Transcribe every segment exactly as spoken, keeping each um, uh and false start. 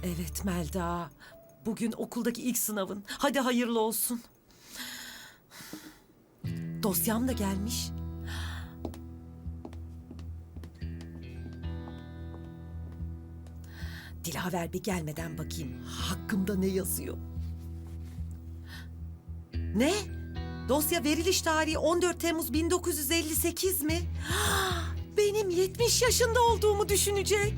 Evet Melda. Bugün okuldaki ilk sınavın. Hadi hayırlı olsun. Dosyam da gelmiş. Dilaver bir gelmeden bakayım. Hakkımda ne yazıyor? Ne? Dosya veriliş tarihi on dört Temmuz bin dokuz yüz elli sekiz mi? Benim yetmiş yaşında olduğumu düşünecek.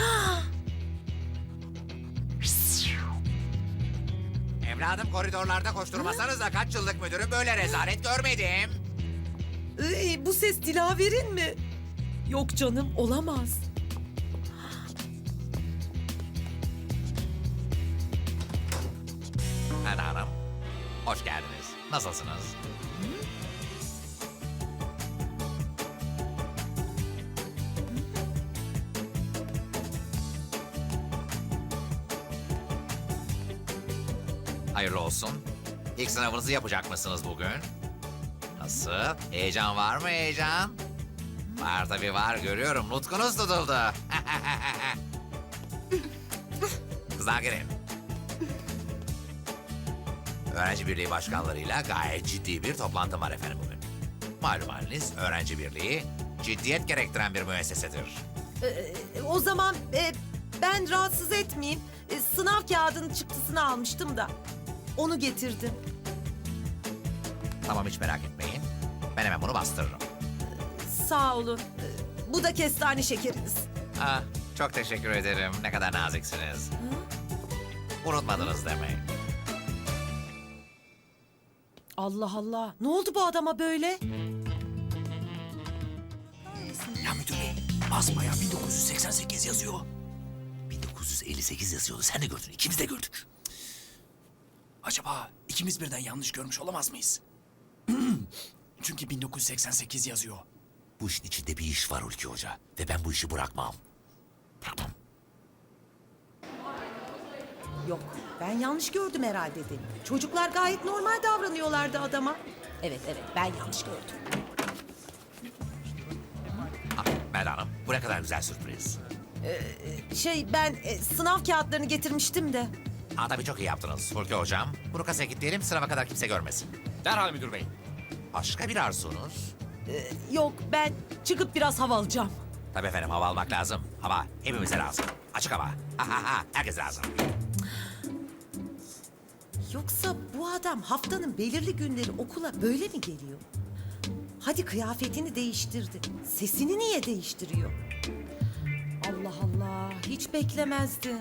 Evladım koridorlarda koşturmasanız da kaç yıllık müdürüm böyle rezalet görmedim. Ee, bu ses Dilaver'in mi? Yok canım, olamaz. Melda Hanım, hoş geldiniz. Nasılsınız? Hayırlı olsun. İlk sınavınızı yapacak mısınız bugün? Nasıl? Heyecan var mı heyecan? Var tabii var, görüyorum. Nutkunuz tutuldu. Kızlar gelin. Öğrenci Birliği başkanlarıyla gayet ciddi bir toplantım var efendim bugün. Malum haliniz öğrenci birliği ciddiyet gerektiren bir müessesedir. Ee, o zaman e, ben rahatsız etmeyeyim. E, sınav kağıdının çıktısını almıştım da. Onu getirdim. Tamam, hiç merak etmeyin. Ben hemen bunu bastırırım. Sağ olun. Ee, bu da kestane şekeriniz. Ah, çok teşekkür ederim. Ne kadar naziksiniz. Unutmadınız demek. Allah Allah. Ne oldu bu adama böyle? Ya müdür bey, basbayağı bin dokuz yüz seksen sekiz yazıyor. bin dokuz yüz elli sekiz yazıyordu. Sen de gördün, ikimiz de gördük. Acaba ikimiz birden yanlış görmüş olamaz mıyız? Çünkü bin dokuz yüz seksen sekiz yazıyor. Bu işin içinde bir iş var Hulki Hoca. Ve ben bu işi bırakmam. Bırakmam. Yok, ben yanlış gördüm herhalde dedim. Çocuklar gayet normal davranıyorlardı adama. Evet, evet, ben yanlış gördüm. Ah, Melda Hanım, bu ne kadar güzel sürpriz. Şey, ben e, sınav kağıtlarını getirmiştim de. Aa, tabii çok iyi yaptınız Hulki Hocam. Bunu kasaya kilitleyelim, sınava kadar kimse görmesin. Derhal müdür bey. Başka bir arzunuz? Yok, ben çıkıp biraz hava alacağım. Tabii efendim, hava almak lazım. Hava hepimize lazım. Açık hava. Ha ha ha, herkes lazım. Yoksa bu adam haftanın belirli günleri okula böyle mi geliyor? Hadi kıyafetini değiştirdi. Sesini niye değiştiriyor? Allah Allah, hiç beklemezdim.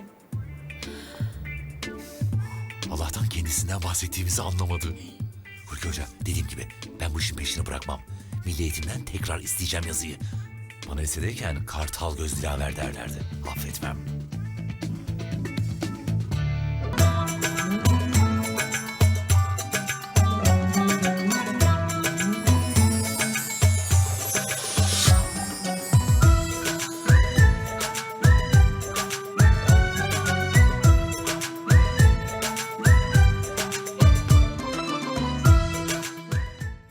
Allah'tan kendisinden bahsettiğimizi anlamadı. Hulki Hoca, dediğim gibi ben bu işin peşini bırakmam. Milli Eğitim'den tekrar isteyeceğim yazıyı. Bana lisedeyken kartal göz dilaver derlerdi. Affetmem.